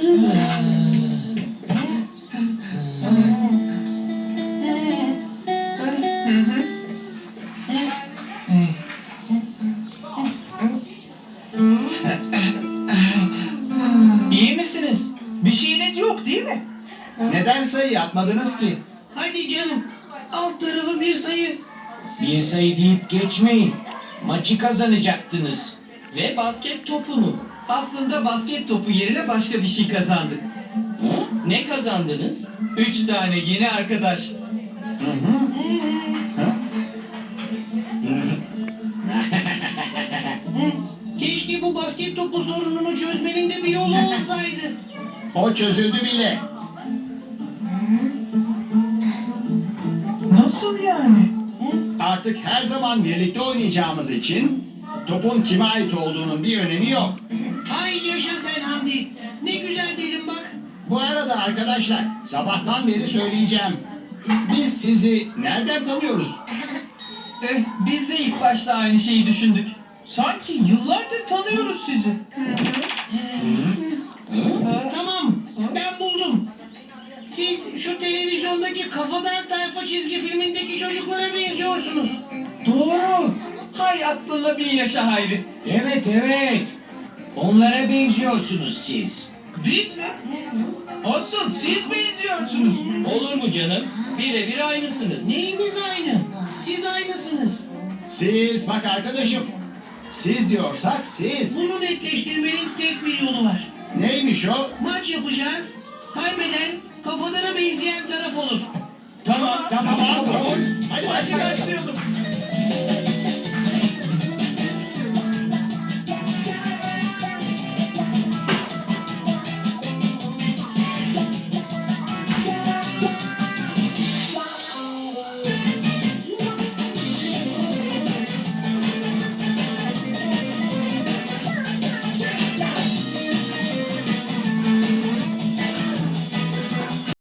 İyi misiniz? Bir şeyiniz yok değil mi? Neden sayı atmadınız ki? Hadi canım. Alt tarafı bir sayı. Bir sayı deyip geçmeyin. Maçı kazanacaktınız. Ve basket topunu. Aslında basket topu yerine başka bir şey kazandık. Ne kazandınız? 3 tane yeni arkadaş. Keşke bu basket topu sorununu çözmenin de bir yolu olsaydı. O çözüldü bile. Nasıl yani? Artık her zaman birlikte oynayacağımız için topun kime ait olduğunun bir önemi yok. Hay yaşa sen Hamdi. Ne güzel dedim bak. Bu arada arkadaşlar, sabahtan beri söyleyeceğim. Biz sizi nereden tanıyoruz? Biz de ilk başta aynı şeyi düşündük. Sanki yıllardır tanıyoruz sizi. Tamam, ben buldum. Siz şu televizyondaki Kafadar Tayfa çizgi filmindeki çocuklara benziyorsunuz. Doğru. Hay aklına bin yaşa Hayri. Evet evet. Onlara benziyorsunuz siz. Biz mi? Asıl siz benziyorsunuz. Olur mu canım? Birebir aynısınız. Neyimiz aynı? Siz aynısınız. Siz bak arkadaşım. Siz diyorsak siz. Bunu netleştirmenin tek bir yolu var. Neymiş o? Maç yapacağız. Kaybeden Kafadar'a benzeyen taraf olur. Tamam. Tamam. Hadi Hadi başlayalım.